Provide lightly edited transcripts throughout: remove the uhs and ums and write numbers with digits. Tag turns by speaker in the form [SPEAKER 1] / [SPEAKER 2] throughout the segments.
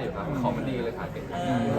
[SPEAKER 1] อยู่ครับของมันดีเลยถ่ายเก่ง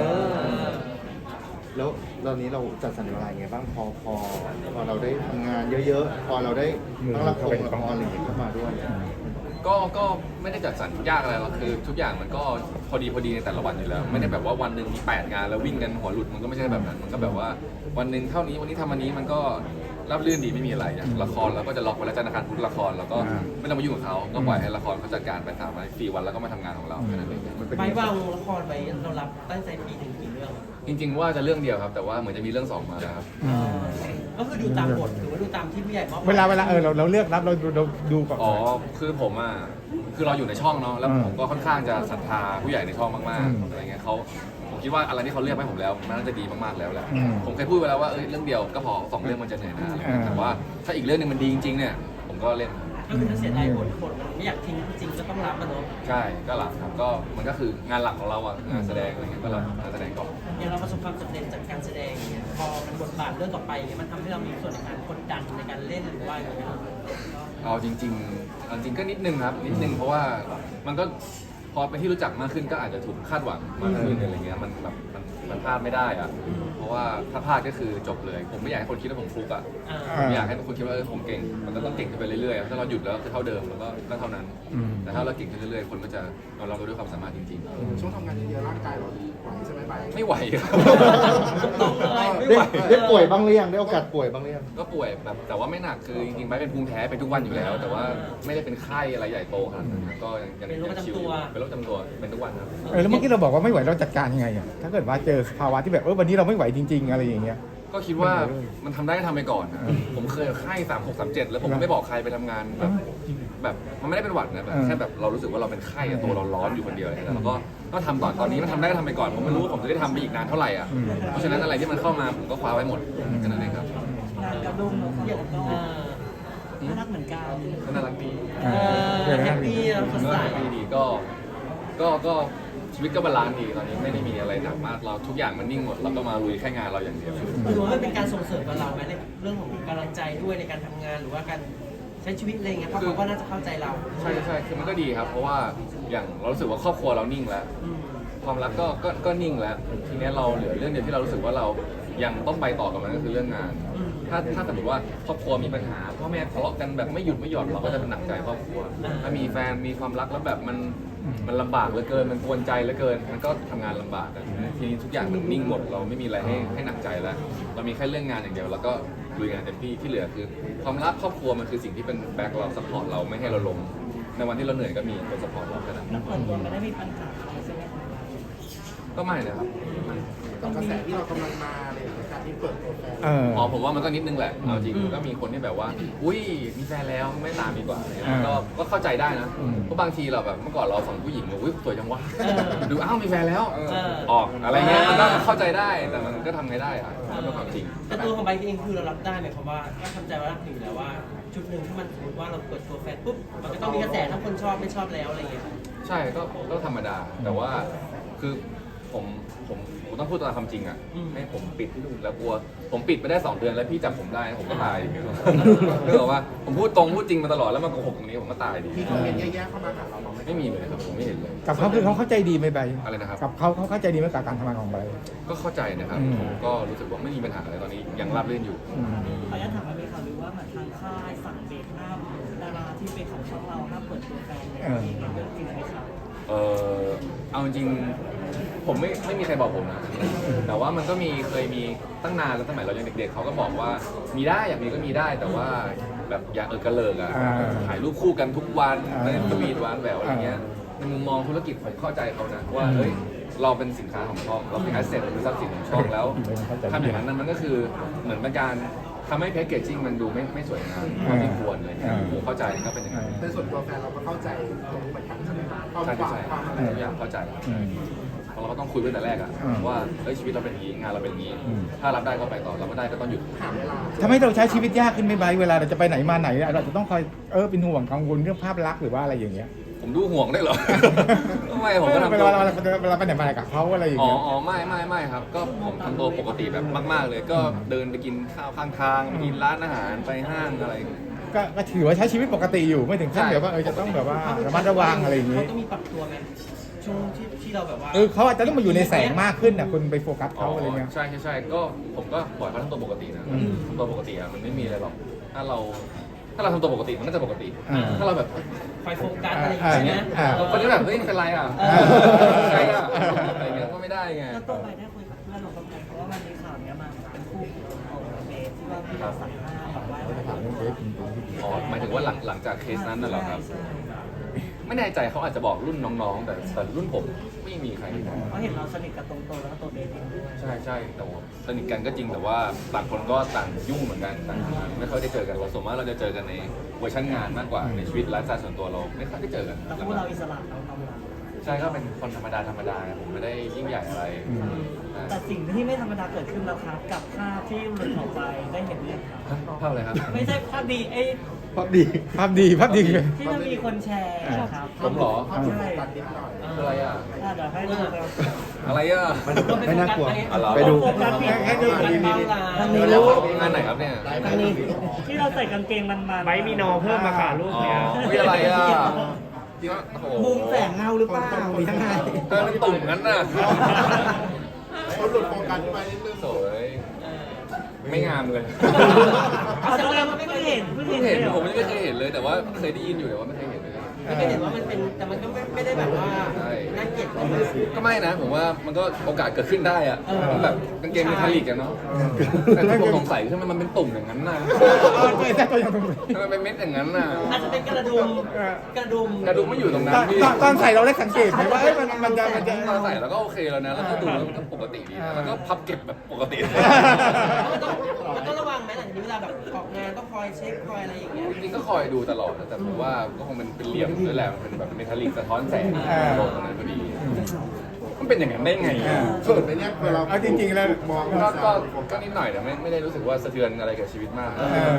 [SPEAKER 2] แล้วตอนนี้เราจัดสรรเวลาไงบ้างพอเราได้ทำงานเยอะๆพอเราได้ต้องละครอะไรอย่างเงี้ยเข้ามาด้วย
[SPEAKER 1] ก็ไม่ได้จัดสรรยากอะไรหรอกคือทุกอย่างมันก็พอดีในแต่ละวันอยู่แล้วไม่ได้แบบว่าวันหนึ่งมี8 งานแล้ววิ่งกันหัวหลุดมันก็ไม่ใช่แบบนั้นมันก็แบบว่าวันหนึ่งเท่านี้วันนี้ทำอันนี้มันก็ราบรื่นดีไม่มีอะไรอย่างละครเราก็จะล็อกไว้แล้วจันทร์อังคารพุธละครแล้วก็ไม่ต้องมายุ่งกับเขาก็ปล่อยให้ละครเขาจัดการไป3 วัน 4 วันแล้วก็มาทำงานของเราแค่นั้นเอง
[SPEAKER 3] ไปวางละครไปเรารับตั้งใจปีถึงกี่เรื่อง
[SPEAKER 1] จริง ๆ ว่าจะเรื่องเดียวครับแต่ว่าเหมือนจะมีเรื่อง2มาแล้วครับ
[SPEAKER 3] ก็คือดูตามบทหรือว่าดูตามที่ผู้ใหญ่มอบ
[SPEAKER 4] เวลาเราเลือกรับเราดูก่อน
[SPEAKER 1] อ๋อคือผมอ่ะคือเราอยู่ในช่องเนาะแล้วผมก็ค่อนข้างจะศรัทธาผู้ใหญ่ในช่องมากๆอะไรเงี้ยผมคิดว่าอะไรที่เขาเลือกให้ผมแล้วมันน่าจะดีมากๆแล้วแหละผมเคยพูดไปแล้วว่าเรื่องเดียวก็พอ2 เรื่องมันจะเหนื่อยนะอะไรเงี้ยแต่ว่าถ้าอีกเรื่องนึงมันดีจริงๆเนี่ยผมก็เล่น
[SPEAKER 3] ก็คือถ้าเสียดายบทมันไม่อยากทิ้งจริงก็ต้องรับมันเนาะ
[SPEAKER 1] ใช่ก็หลักครับก็มันก็คืองานหลักของเราอะงานแสดงอะไรเงี้ยก็รับงานแสดงก่อน
[SPEAKER 3] อย่างเราประสบความสำเร็จจากการแสดงอย่างเงี้ยพอมันบทบาทเรื่องต่อไปอย่างเงี้ยมันทำให้เรามีส่วนในการกดดันในการเล่นหรือว่าอย่างเงี้ย
[SPEAKER 1] เอาจริงๆก็นิดนึงครับนิดนึงเพราะว่ามันก็พอเป็นที่รู้จักมากขึ้นก็อาจจะถูกคาดหวังมากขึ้นอะไรเงี้ยมันแบบมันพลาดไม่ได้อะเพราะว่าถ้าพลาดก็คือจบเลยผมไม่อยากให้คนคิดว่าผมฟลุกอะผมอยากให้คนคิดว่าผมเก่งมันก็ต้องเก่งขึ้นไปเรื่อยๆถ้าเราหยุดแล้วคือเท่าเดิมแล้วก็เท่านั้นแต่ถ้าเราเก่งขึ้นเรื่อยๆคนก็จะยอมรับเราด้วยความสามารถจริงๆ
[SPEAKER 5] ช่วงทำงานเยอะๆร่างกายเราไหวใช่ไหมไป
[SPEAKER 1] ไม่ไหวครับ ไม่
[SPEAKER 2] ได้
[SPEAKER 1] ไหว
[SPEAKER 2] ได้ป่วยบ้างหรือยังได้โอกาสป่วยบ้างหรือยัง
[SPEAKER 1] ก็ป่วยแบบแต่ว่าไม่หนักคือจริงๆไปเป็นภูมิแพ้เป็นทุกวันอยู่แล้ว แต่ว่าไม่ได้เป็นไข้อะไรใหญ่โตขนาดนั้นก็ยัง
[SPEAKER 3] เป็นโรคประจำตัว
[SPEAKER 1] เป็นโรคประจำตัวเป็นทุกวันครับ
[SPEAKER 4] แล้วเมื่อกี้เราบอกว่าไม่ไหวเราจัดการยังไงอ่ะถ้าเกิดว่าเจอภาวะที่แบบวันนี้เราไม่ไหวจริง ๆอะไรอย่างเงี้ย
[SPEAKER 1] ก็คิดว่ามันทำได้ก็ทำไปก่อนนะผมเคยไข้3637แล้วผมไม่บอกใครไปทำงานแบบมันไม่ได้เป็นหวัดนะแบบแค่แบบเรารู้สึกว่าเราเป็นไข้อะตัวเราร้อนอยู่คนเดียวอะไรเงี้ยแล้วก็ทำตอนนี้มันทำได้ก็ทำไปก่อนผมไม่รู้ว่าผมจะได้ทำไปอีกนานเท่าไหร่อ่ะเพราะฉะนั้นอะไรที่มันเข้ามาผมก็คว้าไว้หมดแค่นั้นเองครับ
[SPEAKER 3] งานกับลุงเยอะก็น่ารักเหมือนกัน
[SPEAKER 1] ก็น่ารักดี
[SPEAKER 3] แฮปปี้แล้วสดใส
[SPEAKER 1] ดีก็ชีวิตก็บาลานซ์ดีตอนนี้ไม่ได้มีอะไรหนักมากเราทุกอย่างมันนิ่งหมดเราก็มาลุยแค่งานเราอย่างเดียว
[SPEAKER 3] หรือว่ามันเป็นการส่งเสริมกับเราไหมในเรื่องของกำลังใจด้วยในการทำงานหรือว่าการใช้ชีวิตอะไรเงี้ยเพราะเขาก็น่าจะเข้าใจเรา
[SPEAKER 1] ใช่คือมันก็ดีครับ เพราะว่าอย่างเรารู้สึกว่าครอบครัวเรานิ่งแล้ว ความรักก็นิ่งแล้วทีนี้เราเหลือเรื่องเดียวที่เรารู้สึกว่าเรายังต้องไปต่อกับมันก็คือเรื่องงาน ถ้าสมมติว่าครอบครัวมีปัญหาพ่อแม่ทะเลาะกันแบบไม่หยุดไม่หย่อนเราก็จะหนักใจครอบครัวถ้ามีแฟนมีความรักแล้วแบบมันลำบากเหลือเกินมันกวนใจเหลือเกินมันก็ทำงานลำบากกันทีนี้ทุกอย่างมันนิ่งหมดเราไม่มีอะไรให้หนักใจแล้วเรามีแค่เรื่องงานอย่างเดียวแล้วก็ลุยงานเต็มที่ที่เหลือคือความรักครอบครัวมันคือสิ่งที่เป็นแบ็คเราซัพพอร์ตเราไม่ให้เราล้มในวันที่เราเหนื่อยก็มีคนซัพพอร์ตเราแค่นั้น
[SPEAKER 3] แล้วเปิดตัวไม่ได้มีปัญหาใช่ไหม
[SPEAKER 1] ก็ไม่นะครับ
[SPEAKER 5] กับกระแสที่เรากำลังมาอะไรอย่างเงี้ยการที่เปิดตัวแฟน
[SPEAKER 1] อ๋อผมว่ามันก็นิดนึงแหละเอาจริงก็มีคนที่แบบว่าอุ้ยมีแฟนแล้วไม่ตามดีกว่าอะไรเงี้ยก็เข้าใจได้นะเพราะบางทีเราแบบเมื่อก่อนเราฝั่งผู้หญิงอุ้ยสวยจังวะดูอ้าวมีแฟนแล้วออกอะไรเงี้ยมันก็เข้าใจได้แต่มันก็ทำไงได้อะมันเป็นความจริง
[SPEAKER 3] แต่ตัวของไบค์เองคือเรารับได้ไหมเพราะว่าก็ทำใจว่ารับอยู่แล้วว่าจุดหนึ่งที่มันสมมติว่าเราเปิดตัวแฟนปุ๊บมันก็ต้องมีกระแสทั้งคนชอบไม่ชอบแล้วอะไรเงี้ย
[SPEAKER 1] ใช่ก็ธรรมดาแต่ว่าคือผมต้องพูดตามความจริงอ่ะให้ผมปิดแล้วกลัวผมปิดไปได้2 เดือนแล้วพี่จับผมได้ผมก็ตายอย่างเงี้ยคือบอกว่าผมพูดตรงพูดจริงมาตลอดแล้วมาโกหกตรงนี้ผมก็ตายดี
[SPEAKER 5] มีคอมเมนต์แย่ๆเข้ามาหาเราบ้างไหม
[SPEAKER 1] ไม่มีเลยครับผมไม่เห็นเลย
[SPEAKER 4] กับเขาคือเขาเข้าใจดีไหมใบ
[SPEAKER 1] อะไรนะครับ
[SPEAKER 4] กับเขาเข้าใจดีไหมกับการทำงานของใบ
[SPEAKER 1] ก็เข้าใจนะครับผมก็รู้สึกว่าไม่มีปัญหาอะไรตอนนี้ยังราบรื่นอยู่
[SPEAKER 3] ขออนุญาตถามว่ามีข่าวหรือว่าเหมือนทางค่ายสั่งเบรกห้ามดาราที่เป็นของช่องเราห้ามเปิดตัวแฟนเนี่ยเรื่องจริงไหมครับ
[SPEAKER 1] เอาจริงผมไม่มีใครบอกผมนะแต่ว่ามันก็เคยมีตั้งนานแล้วสมัยเรายังเด็กๆเขาก็บอกว่ามีได้อยากมีก็มีได้แต่ว่าแบบอย่ากระเลิกอะถ่ายรูปคู่กันทุกวันในสวีทหวานแหววอะไรเงี้ยในมุมมองธุรกิจผมเข้าใจเขานะว่าเฮ้ยเราเป็นสินค้าของช่องเราเป็นแอสเซทหรือทรัพย์สินของช่องแล้วทำอย่างนั้นมันก็คือเหมือนเป็นการทำให้แพคเกจจิ้งมันดูไม่สวยงามเท่าที่ควรเลยผมเข้าใจก็เป็นอย่างนั้น
[SPEAKER 5] ในส่วนตัวแฟนเราก็เข้าใจตรงนี้เหมือนกันใช่ไหมครับความหวังความอะไร
[SPEAKER 1] ทุกอย่างเข้าใจเพราะเราก็ต้องคุยตั้งแต่แรกอะว่าเฮ้ยชีวิตเราเป็นอย่างนี้งานเราเป็นอย่างนี้ถ้ารับได้ก็ไปต่อรับไม่ได้ก็ต้องหยุด
[SPEAKER 5] หาเวลา
[SPEAKER 4] ทำให้เราใช้ชีวิตยากขึ้นไหมใบเวลาเราจะไปไหนมาไหนเราจะต้องคอยเป็นห่วงกังวลเรื่องภาพลักษณ์หรือว่าอะไรอย่างเงี้ย
[SPEAKER 1] ผมดูห่วงได้เหรอ ทำไมผมก็ทำ
[SPEAKER 4] เว
[SPEAKER 1] ตัว
[SPEAKER 4] ลาเราไปไหนมาไหนกับเขาอะไรอย่าง
[SPEAKER 1] อ๋อ
[SPEAKER 4] เงี้ย
[SPEAKER 1] อ๋อไม่ครับ ก็ผมทำตัวปกติแบบมากๆเลย ก็เดินไปกินข้าวข้างทางไปกินร้านอาหารไปห้างอะไร
[SPEAKER 4] ก็ถือว่าใช้ชีวิตปกติอยู่ไม่ถึงขั้นแบบว่าจะต้องแบบว่าระมัดระวังอะไรอย่างงี้
[SPEAKER 3] เขาต้องมีปรับตัวไหมช่ช่วงที่เราแบบว่า
[SPEAKER 4] เขาอาจจะต้องมาอยู่ในแสงมากขึ้นนะคุณไปโฟกัสเขาอะไรเงี้ย
[SPEAKER 1] ใช่ใช่ใช่ก็ผมก็ปล่อยเขาทำตัวปกตินะทำตัวปกติอะมันไม่มีอะไรหรอกถ้าเราทำตัวปกติมันก็จะปกติ ถ้าเราแบบ
[SPEAKER 3] คอยโฟกัสอะไรอย่างเงี้ย
[SPEAKER 1] คนที่แบบเฮ้ยเป็นไรอ่ะใช่อ่ะอะไรเงี้ยก็ไม่ได้ไง
[SPEAKER 6] แล้วตัวไปได้คุยกับเพื่อนของเขาไหมเพราะว่ามันมีข่าวเนี้ยมาเป็นคู่ของเบสที่ว่าพี่เราสั่งห้ามแบบว่า
[SPEAKER 1] อ๋อหมายถึงว่าหลังจากเคสนั้นน่ะเหรอครับ
[SPEAKER 6] ใช่
[SPEAKER 1] ไม่แน่ใจเขาอาจจะบอกรุ่นน้องๆ แต่รุ่นผมไม่มีใครบอก
[SPEAKER 6] เพราะเห็นเราสนิทกับตรงโตแล้วก็ตัวเบสเองด้วย
[SPEAKER 1] ใช่ใช่แต่ว่าสนิทกันก็จริงแต่ว่าต่างคนก็ต่างยุ่งเหมือนกันต่างไม่ค่อยได้เจอกันเราส่วนมากเราจะเจอกันในเวอร์ชันงานมากกว่าในชีวิตไลฟ์สไตล์ส่วนตัวเราไม่ค่อยได้เจอกัน
[SPEAKER 6] แล้วคู่เราอิสระเราทำเรา
[SPEAKER 1] ใช่ก็เป็นคนธรรมดาผมไม่ได้ยิ่งใหญ่อะไร
[SPEAKER 6] แต่สิ่งที่ไม่ธรรมดาเกิดขึ้นแล้วครับกับภาพที่หลุดออกไปได้เห็นหรือยังครับ
[SPEAKER 1] ภาพอะไรครับ
[SPEAKER 6] ไม่ใช่ภาพดีไอ้
[SPEAKER 2] ภาพดี
[SPEAKER 4] ภาพดีเลย
[SPEAKER 6] ที่มันมีคนแชร์ครับ
[SPEAKER 1] ผมเหรอ
[SPEAKER 6] ใช่
[SPEAKER 1] คืออะไรอ่ะ
[SPEAKER 6] เดี๋ยวให้ดูครับ
[SPEAKER 1] อะไรอ่ะ
[SPEAKER 2] ไม่น่ากลัว
[SPEAKER 1] อะไร
[SPEAKER 2] ไปดู
[SPEAKER 6] โฟกัสผิด
[SPEAKER 3] ให้ดูกันบ้างล่ะ
[SPEAKER 6] ทางนี้
[SPEAKER 1] แล้วงานไหนครับเนี่ย
[SPEAKER 6] ทางนี้ที่เราใส่กางเกงมันๆ
[SPEAKER 5] ไม่มีนอเพิ่มมาค่ะลูก
[SPEAKER 1] อ๋อ
[SPEAKER 5] เนี้ย
[SPEAKER 1] อุ๊ยอะไรอ่ะจริงว่าโอ้โห
[SPEAKER 6] มุมแสงเงาหรือเปล่าหรือยังไง
[SPEAKER 1] เออเป็นตุ่มงั้นน่ะ
[SPEAKER 2] เขาหลุดโฟกัสไปนิดนึง
[SPEAKER 1] สวยไม่งามเลย
[SPEAKER 6] เอาแสดงว่าไม่เคยเห็น
[SPEAKER 1] เพิ่งเห็นผมไม่เคยเห็นเลย แต่ว่าเคยได้ยินอยู่แต่ว่าไม่เคยเห็นเลย
[SPEAKER 3] ไม่ได้เห็นว่ามันเป็นแต่มันก็ไม่ได้แบบว่า
[SPEAKER 1] ใช่
[SPEAKER 3] น่าเกลียดเลยนะ
[SPEAKER 1] ก็ไม่นะผมว่ามันก็โอกาสเกิดขึ้นได้อะแบบกางเกงมีทาลิกกันเนาะแต่ที่ผมสงสัยคือมันเป็นตุ่มอย่างนั้นน่ะ
[SPEAKER 4] ไม่ใช่ตัวอย่างตรงนี้
[SPEAKER 1] ทำไมเป็นเม็ดอย่างนั้นน่ะ
[SPEAKER 3] อาจจะเป็นกระดุมกระดุม
[SPEAKER 1] กระดุมไม่อยู่ตรงนั้นพี่
[SPEAKER 4] ตอนใส่เราได้สังเกตไหมว่ามันจะ
[SPEAKER 1] ตอนใส่แล้วก็โอเคแล้วนะแล้วก็ดูแล้วมันก็ปกติดีนะแล้วก็พับเก็บแบบปกติ
[SPEAKER 3] มันต้องระวังไหมหลังจากนี้เวลาแบบออกงานต้องคอยเช็คคอยอะไรอย่างเงี้ย
[SPEAKER 1] จริงๆก็คอยดูตลอดนะแต่ผมว่าก็คงเป็นเหลี่ยมด้วยแหละมันเป็นแบบเมทัลลิกสะท้อนแสงลงตรงนั้นพอดี มันเป็นอย่างนั้นได้ไง
[SPEAKER 2] เขินไหมเนี่ยเวลา
[SPEAKER 4] เอาจริงๆแล้ว
[SPEAKER 2] มอง
[SPEAKER 1] ก็นิดหน่อยแต่ไม่ได้รู้สึกว่าสะเทือนอะไรกับชีวิตมาก